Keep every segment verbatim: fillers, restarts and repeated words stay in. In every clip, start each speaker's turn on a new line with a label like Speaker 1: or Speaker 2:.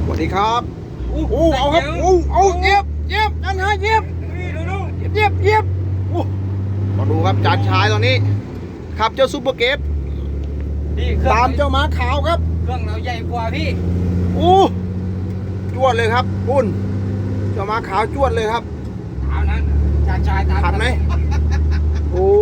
Speaker 1: สวัสดีครับอู้หูเอาครับอู้เอาเย็บเย็บจันฮะเย็บเย็บเย็บอู้มาดูครับจานชายตอนนี้ขับเจ้าซูเปอร์เกฟตามเจ้าม้าขาวครับ
Speaker 2: เครื่องเราใหญ่กว่าพี่
Speaker 1: อู้จวดเลยครับคุณเจ้าม้าขาวจวดเลยครับ
Speaker 2: ตามนั้นจานชายตาม
Speaker 1: ทันไหมโอ้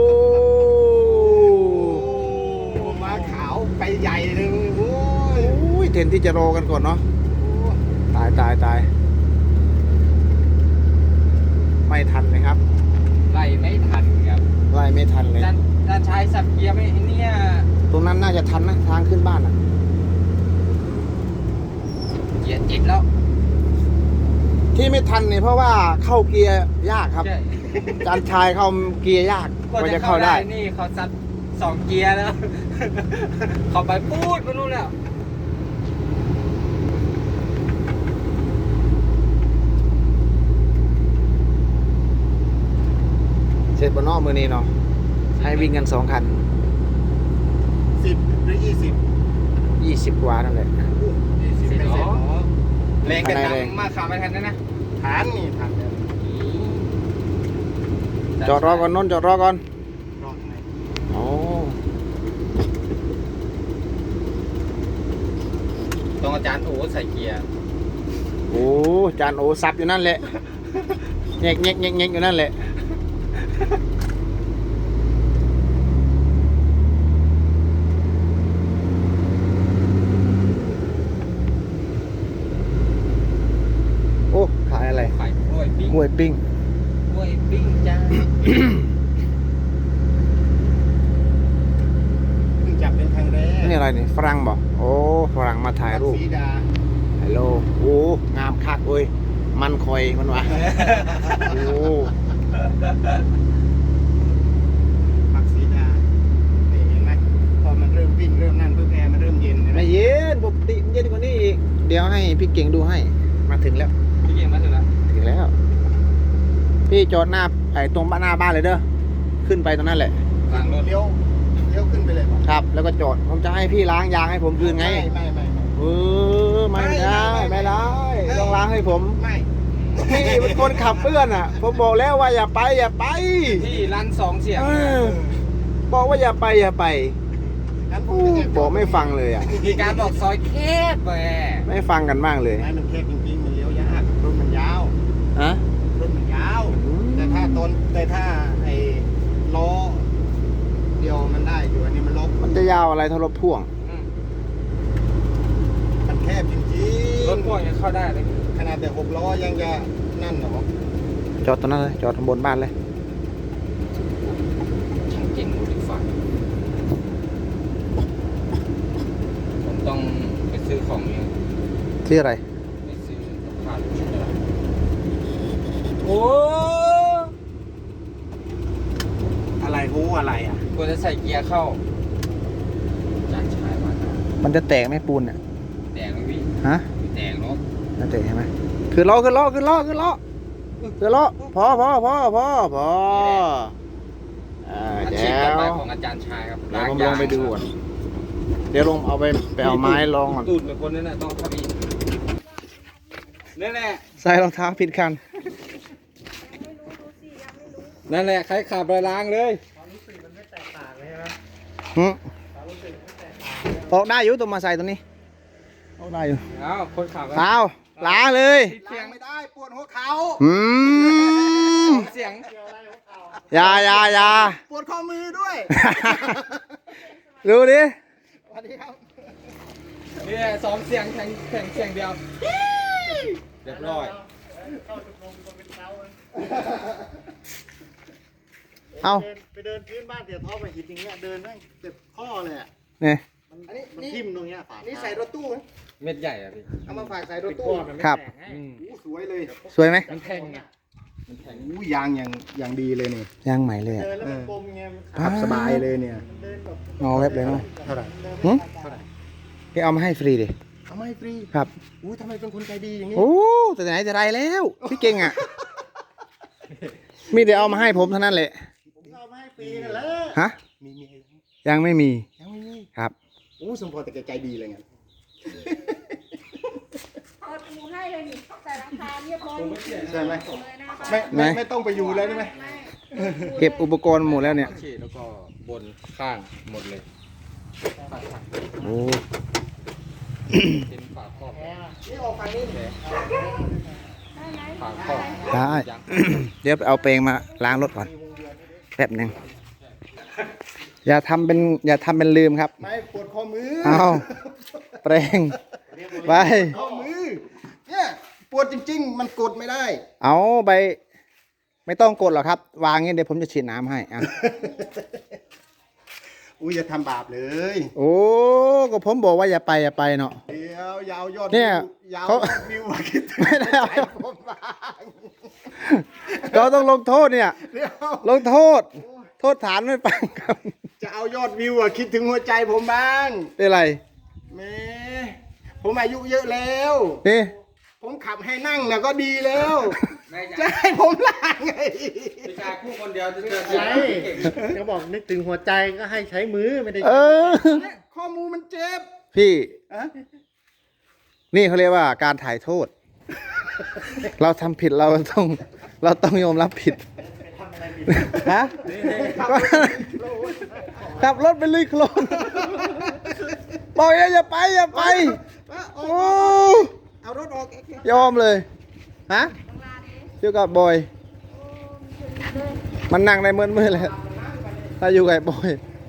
Speaker 2: ม้าขาวไปใหญ่เลยโอ้
Speaker 1: ยเทนที่จะรอกันก่อนเนาะตายตายตายไม่ทันเลยครับ
Speaker 2: ไล่ไม่ทันครับ
Speaker 1: ไล่ไม่ทันเลย
Speaker 2: จานจานชายสับเกียร์ไม่เนี่ย
Speaker 1: ตรงนั้นน่าจะทันนะทางขึ้นบ้านอ่ะ
Speaker 2: เกียร์จิตแล้ว
Speaker 1: ที่ไม่ทันเนี่ยเพราะว่าเข้าเกียร์ยากครับจานชายเข้าเกียร์ยากกว่าจะเข้าได้
Speaker 2: นี่เขาซัดสองเกียร์แล้วเขาไปพูดมานู่นแล้ว
Speaker 1: เสร็จบนนอกมือนี้เนาะให้วิ่งกันสองคัน
Speaker 3: สิบหรือยี่สิบ
Speaker 1: ยี่สิบกว่านั่นแหละ
Speaker 3: ยี่สิบไม่เสร็จ
Speaker 2: แรงกันดังมาขับไปทันนะนะ
Speaker 3: ฐานนี่ฐาน
Speaker 1: จอดรอก่อนนนจอดรอก่อน
Speaker 3: รอไง
Speaker 1: โอ้
Speaker 2: ตรงอาจารย์โอ้ใส่เกียร์
Speaker 1: โอ้จานโอซับอยู่นั่นแหละแงกแงกแงกแงกอยู่นั่นแหละโอ้ขายอะไร
Speaker 2: ขายกล้วยปิ้ง
Speaker 1: กล้วยปิ้ง
Speaker 2: กล้วยปิ้งจ้า
Speaker 3: เพิ่งจับเป็นครั้งแรก
Speaker 1: นี่อะไรนี่ฝรั่งบอกโอ้ฝรั่งมาถ่ายรูป
Speaker 3: สีดา
Speaker 1: ฮัลโหลโอ้งามคักเว้ยมันคอยมันวะโอ้
Speaker 3: ผักสีดานี่เห็นไหมพอมันเริ่มวิ่งเริ่มนั่นปุ๊บแอร์มันเริ่มเย็น
Speaker 1: ไม่เย็นปกติเย็นกว่านี้อีกเดี๋ยวให้พี่เก่งดูให้มาถึงแล้ว
Speaker 2: พี่เก่งมาถึงแล้ว
Speaker 1: ถึงแล้วพี่จอดหน้าไอ้ตรงบ้านหน้าบ้านเลยเด้อขึ้นไปตรงนั้นแหละ
Speaker 2: ล้างรถ
Speaker 3: เลี้ยวเลี้ยวขึ้นไปเลย
Speaker 1: ครับแล้วก็จอดผมจะให้พี่ล้างยางให้ผมคืนไง
Speaker 3: ไม่ไม่ไม่
Speaker 1: เออไม่ได้ไม่ได้ต้องล้างให้ผม
Speaker 3: ไม่
Speaker 1: พี่เป็นคนขับเพื่อนอ่ะผมบอกแล้วว่าอย่าไปอย่าไป
Speaker 2: ที่ร้านสองเสียง
Speaker 1: บอกว่าอย่าไปอย่าไปบอกไม่ฟังเลยอ่ะ
Speaker 2: มีการบอกซอยแคบแหม
Speaker 1: ไม่ฟังกันมากเลย
Speaker 3: ไม่มันแคบจริงๆมันเลี้ยวยากรถมันยาว
Speaker 1: ฮะ
Speaker 3: รถมันยาวแต่ถ้าต้นแต่ถ้าไอ้ล้อเดียวมันได้อยู่อันนี้มันลบ
Speaker 1: มันจะยาวอะไรถ้ารถพ่วง
Speaker 3: มันแคบจริงๆ
Speaker 2: รถพ่วงยังเข้าได้เลย
Speaker 3: ขนาดแต่หกล้อยังจะนั่นหรอ
Speaker 1: จอดตรงนั้นเลยจอดบนบ้านเลย
Speaker 2: ช่างเก่งดูดีฝันผมต้องไปซื้อของเนี่ย
Speaker 1: ที่อะไร
Speaker 2: ไปซื้อผ้าชุดอะไรโอ้
Speaker 3: อะไรหูอะไรอ่ะ
Speaker 2: ควรจะใส่เกียร์เข้าจานชายมา
Speaker 1: มันจะแตกไหมปูนเนี่ย
Speaker 2: แตกเลยพี่
Speaker 1: ฮะ
Speaker 2: แตกเนาะ
Speaker 1: จะแตกใช่ไหมคือล้อคือล้อคือล้อคือล้อคือล้อพอพอพอพอพอ
Speaker 2: อาชีพต่อไปของอาจารย์ชายครับ
Speaker 1: เดี๋ยวผมลงไปดูก่อนเดี๋ยวลงเอาไปไปเอาไม้ลองก่อน
Speaker 2: ตูดเป็นคนนั่นแหละต้องขับอีกนั่นแหละ
Speaker 1: ใส่รองเท้าผิดคัน
Speaker 2: นั่นแหละใครขับไปล้างเลย
Speaker 3: ความรู้สึกมันไม่แตกต่างเลยใช่ไหม
Speaker 1: ฮึ
Speaker 3: ความรู้สึกไม่แตกต่าง
Speaker 1: ออกได้อยู่ตัวมาใส่ตัวนี้ออกได้อยู่
Speaker 2: อ้าวคนขับ
Speaker 1: เอาล้างเลย
Speaker 3: เสียงไม่ได้ปวดหัวเข่า
Speaker 1: อืม
Speaker 2: เสียง
Speaker 1: ยายายา
Speaker 3: ปวดข้อมือด้วย
Speaker 1: ดูดิ
Speaker 3: สวัสดีครับ
Speaker 2: เนี่ยสองเสียงแข่งแข่งเสียงเดียวเรียบร้อย
Speaker 1: เอา
Speaker 3: ไปเดินพื้นบ้านเสียท้อไปหินอย่างเงี้ยเดินแม่งเจ็บข้อเลยอ่ะ
Speaker 1: เนี่ย
Speaker 3: อันนี้มันทิ่มตรงเนี้ยฝานี่ใส่รถตู้ไหม
Speaker 2: เม็ดใหญ่อะพี่
Speaker 3: เอามาฝากใส่รถตู้
Speaker 1: ครับ
Speaker 3: อู้สวยเลย
Speaker 1: สวยไหม
Speaker 2: มันแพงไง
Speaker 3: มันแพงอู้ยางอย่างอย่างดีเลยนี่
Speaker 1: ยางใหม่เลยอ่ะ
Speaker 3: ขับสบายเลยเนี่ย
Speaker 1: งอเว็บเลยเนาะ
Speaker 3: เท่าไหร่
Speaker 1: เท่าไหร่แกเอามาให้ฟรีดิ
Speaker 3: เอามาให้ฟรี
Speaker 1: ครับ
Speaker 3: อู้ทำไมเป็นคนใจดีอย่างนี้
Speaker 1: โอ้แต่ไหนแต่ไรแล้วพี่เก่งอ่ะมีแต่เอามาให้ผมเท่านั้นแหละ
Speaker 3: ผมเอามาให้ฟรีนั่นแหละ
Speaker 1: ฮะ
Speaker 3: มีมี
Speaker 1: ยังไม่มี
Speaker 3: ยังไม่มี
Speaker 1: ครับ
Speaker 3: อู้สมพรแต่แกใจดีเลยไง
Speaker 4: หนูให้เลยนี่แต่ราคาเรียบร้อย
Speaker 3: ใช่ไหม
Speaker 4: เลยนะ
Speaker 3: ไม่ไม่ไม่ต้องไปอยู่เลยได้ไหม
Speaker 1: เก็บอุปกรณ์หมดแล้วเนี่ย
Speaker 2: ฉีดแล้วก็บนข้างหมดเลย
Speaker 1: โอ้
Speaker 2: เป็นฝาครอบ
Speaker 3: นี่ออกฝั่งนี้เลย
Speaker 2: ฝาครอบ
Speaker 1: ได้ เดี๋ยวไปเอาเปรงมาล้างรถก่อนแป๊บหนึ่งอย่าทำเป็นอย่าทำเป็นลืมครับ
Speaker 3: ไม่ปวดข้อมือ
Speaker 1: เอาเปรงไป
Speaker 3: ข้อมือเนี่ยปวดจริงๆ มันกดไม่ได้
Speaker 1: เอาไปไม่ต้องกดหรอกครับ วางงี้เดี๋ยวผมจะฉีดน้ำให้อ่ะ
Speaker 3: อุ้ยอย่าทำบาปเลย
Speaker 1: โอ้ก็ผมบอกว่าอย่าไปอย่าไปเนาะ
Speaker 3: เดี๋ยวยาวยอด
Speaker 1: เนี่ย
Speaker 3: ยาว
Speaker 1: เขา
Speaker 3: ยอดวิวมาคิดถึง
Speaker 1: ไม่ได้เอา
Speaker 3: ใจผมบ้าง
Speaker 1: เราต้องลงโทษเนี่ย
Speaker 3: เดี๋ยว
Speaker 1: ลงโทษ โทษฐานไม่ฟังครับ
Speaker 3: จะเอายอดวิวอะคิดถึงหัวใจผมบ้าง
Speaker 1: เป็นไร
Speaker 3: แหม่ผมอายุเยอะแล้ว
Speaker 1: นี่
Speaker 3: ผมขับให้นั่งน่ะก็ดีแล้ว
Speaker 2: ไม่
Speaker 3: จะ
Speaker 2: ใช่
Speaker 3: ให้ผมล่างไง
Speaker 2: ผู้ชายคู่คนเดียวจะเจอ
Speaker 5: ใช่เขาบอกนึกถึงหัวใจก็ให้ใช้มือไม่ได้
Speaker 1: เออ
Speaker 3: เนี่ยข้อมูลมันเจ็บ
Speaker 1: พี่
Speaker 3: อะ นี่
Speaker 1: นี่เขาเรียกว่าการถ่ายโทษ เราทำผิดเราต้อง เราต้องยอมรับผิดฮะก็ขับรถไปลุยโคลนบอกอย่าอย่าไปอย่าไป
Speaker 3: เอา
Speaker 1: โอ้
Speaker 3: เอารถออก
Speaker 1: ยอมเลยฮะเกี่ยวกับบอย มันนั่งในมืดมืดเลยถ้าอยู่กับบอย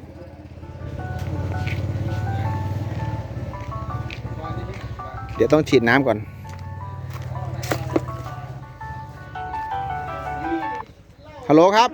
Speaker 1: เดี๋ยวต้องฉีดน้ำก่อน ฮัลโหลครับ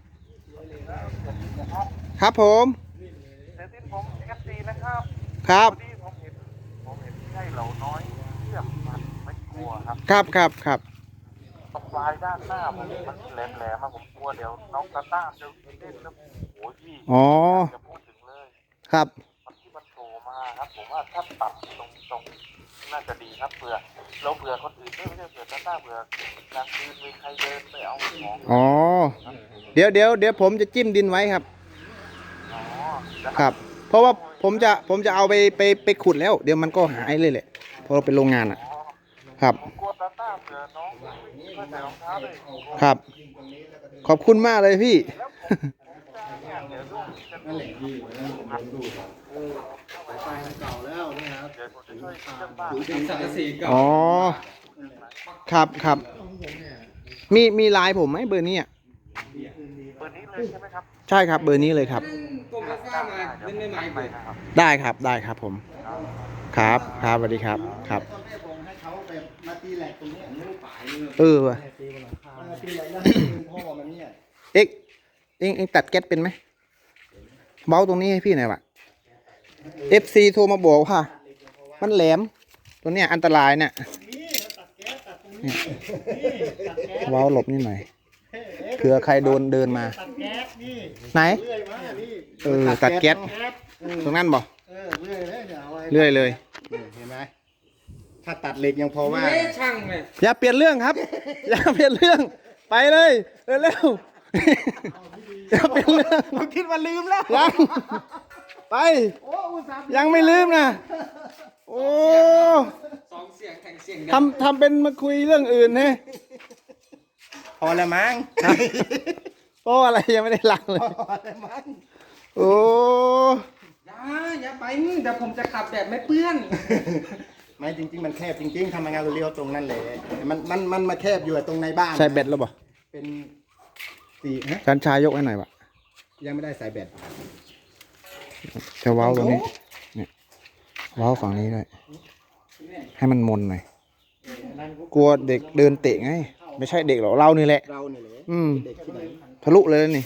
Speaker 1: ครับผม
Speaker 6: เดี๋ยวที่ผมเอฟซีนะครับ
Speaker 1: ครับ
Speaker 6: ที่ผมเห็นผมเห็นใช่เหล่าน้อยเชื่อมมันไม่กลัวครับ
Speaker 1: ครับครับครับ
Speaker 6: ตรงปลายด้านหน้าผมมันแหลมแหลมๆมาผมกลัวเดี๋ยวน้องตาต้าจะเล่นแล้วโอ้ยพี่
Speaker 1: อ๋อ
Speaker 6: จะพูดถึงเลย
Speaker 1: ครับ
Speaker 6: มันที่มันโผล่มาครับ ผมว่าถ้าตัดตรงตรงน่าจะดีครับเผื่อเราเผื่อคนอื่นด้วยไม่ใช่เผื่อตาต้าเผื่อกลางคืนมีใครเดินไปเอาของ
Speaker 1: อ๋อ เดี๋ยวเดี๋ยวเดี๋ยวผมจะจิ้มดินไว้ครับ
Speaker 6: อ๋อจะ
Speaker 1: ครับ เพราะว่าผมจะผมจะเอาไปไปไปขุดแล้ว เดี๋ยวมันก็หายเลยแหละเพราะเราเป็นโรงงานอ่ะ ครับ
Speaker 6: ผมกลัวตาต้าเผื่อน้องไม่ใส่รองเท้าเลย
Speaker 1: ครับ ขอบคุณมากเลยพี่
Speaker 6: เนี่ยเดี๋ยวลูกจะดู
Speaker 3: นั่นแหละดีกว่านั้นผมลองดูสายไฟมันเก่าแล้วเนี่ยครับ
Speaker 6: เดี๋ยวผมจะช่วยเชื่อมบ้าน
Speaker 2: เป็นสังกะสีเก่า
Speaker 1: อ๋อ ครับครับ มีมีไลน์ผมไหมเบอร์นี้อ่ะ
Speaker 6: เบอร์นี้เลยใช่ไหมครับ
Speaker 1: ใช่ครับเบอร์นี้เลยครับ
Speaker 2: กลมฟ้ามาเล่นไม่ไหม
Speaker 6: ไปนะครับ
Speaker 1: ได้ครับได้ครับผม ครับครับสวัสดีครับครับ
Speaker 3: ตอนแรกผมให้เขาแบบมาตีแหลกตรงเนี้ยนิ้วป่ายเลย
Speaker 1: เออว่ะ
Speaker 3: มาตีแหลกแล้วให้เป็นพ่อมันเนี่ย
Speaker 1: เอ็กเอ็งเอ็งตัดแก๊สเป็นไหมเบาตรงนี้ให้พี่หน่อยวะเอฟซีโทรมาบอกว่ามันแหลมตัวเนี้ยอันตรายเนี่ยเนี่ยเบาหลบนิดหน่อยเผื่อใครโดนเดินมา
Speaker 5: ตัดแก๊สนี่
Speaker 1: ไหน
Speaker 5: เลื่อยมานี่
Speaker 1: เออตัดแก๊ส
Speaker 5: แก๊ส
Speaker 1: ตรงนั้นบ่
Speaker 5: เออเลื่อยเลยเนี่ยเอาไว้
Speaker 1: เรื่อยเลย
Speaker 3: เนี่ยเห็นไหมถ้าตัดเหล็กยังพอว่า
Speaker 2: เอ๊ะช่างเลย
Speaker 1: อย่าเปลี่ยนเรื่องครับ อย่าเปลี่ยนเรื่องไปเลยเร็วๆอย่าเปลี่ยนเรื่อง
Speaker 3: ผมคิดว่าลืมแล้ว
Speaker 1: ยังไป ยังไม่ลืมนะโอ้
Speaker 2: สองเสียงแข่งเสียง
Speaker 1: ทำทำเป็นมาคุยเรื่องอื่นเนี่ย
Speaker 3: พอแล้วมั้ง
Speaker 1: โอ้อะไรยังไม่ได้ล้างเลย
Speaker 3: พอแล้วมั้ง
Speaker 1: โอ้
Speaker 2: อย่าอย่าไปเดี๋ยวผมจะขับแบบไม่เปื้อน
Speaker 3: ไม่จริงๆมันแคบจริงๆทำงานเรียวๆตรงนั้นเลยมันมันมันมาแคบอยู่ตรงในบ้าน
Speaker 1: ใส่แบตแล้วบ่
Speaker 3: เป็นสี่ฮะ
Speaker 1: ชันชายยกให้หน่อยวะ
Speaker 3: ยังไม่ได้ใส่แบต
Speaker 1: จะเว้าตรงนี้เนี่ยเว้าฝั่งนี้ด้วยให้มันมนหน่อยกลัวเด็กเดินเตะไง ไม่ใช่เด็กหรอกเรานี่แหละ
Speaker 3: เราเนี่ยเลย
Speaker 1: อืม
Speaker 3: เด็กที่ไหน
Speaker 1: ทะลุเลยนี่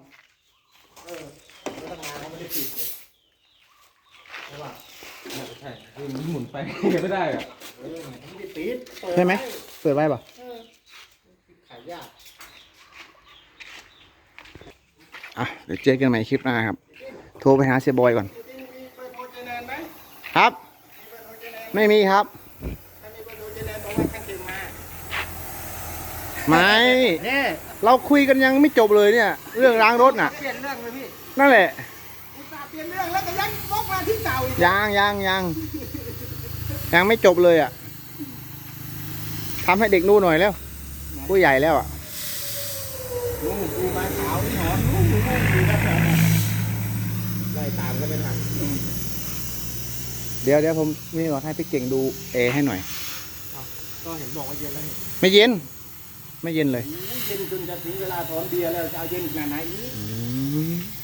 Speaker 2: ใช่คือมันหมุนไปไม่ได้อะ
Speaker 5: ปิดเปิด
Speaker 1: ใช่ไหมเปิดไว้ป่ะ
Speaker 5: ขายยาก
Speaker 1: อ่ะเดี๋ยวเจอกันใหม่คลิปหน้าครับ โทรไปหาเสียบอยก่อน
Speaker 3: มีเบอร์โทรเจแนนไหม
Speaker 1: ครับ
Speaker 3: มีเบอร์โทรเจแนน
Speaker 1: ไม่มีครับ
Speaker 3: ถ้ามีเบอร์โทรเจแนนบอกว่าขั้นเต็มมา
Speaker 1: ไม่
Speaker 5: เนี่ย
Speaker 1: เราคุยกันยังไม่จบเลยเนี่ย เรื่องล้างรถน่ะ
Speaker 2: เปลี่ยนเรื่องเลยพี่
Speaker 1: นั่นแหละ
Speaker 3: อุตส่าห์เปลี่ยนเรื่องแล้วก็ยังวกมาที่เก่าอีก
Speaker 1: ยังยังยังยังไม่จบเลยอ่ะทำให้เด็กดูหน่อยแล้วผู้ใหญ่แล้วอ่ะ
Speaker 3: ลุงดูมาขาวนี่หอมลุงลุงดูครับไล่ตามก็ไม่ทัน
Speaker 1: เดี๋ยวเดี๋ยวผมนี่ก่อนให้พี่เก่งดูเอให้หน่อย
Speaker 3: ก็เห็นบอกว่าเย็นแล้ว
Speaker 1: ไม่เย็น ไม่เย็นเลย
Speaker 3: เย็นจนจะถึงเวลาถอนเบียร์แล้วจะเอาเย็นขนาดไหนอีก
Speaker 1: อืม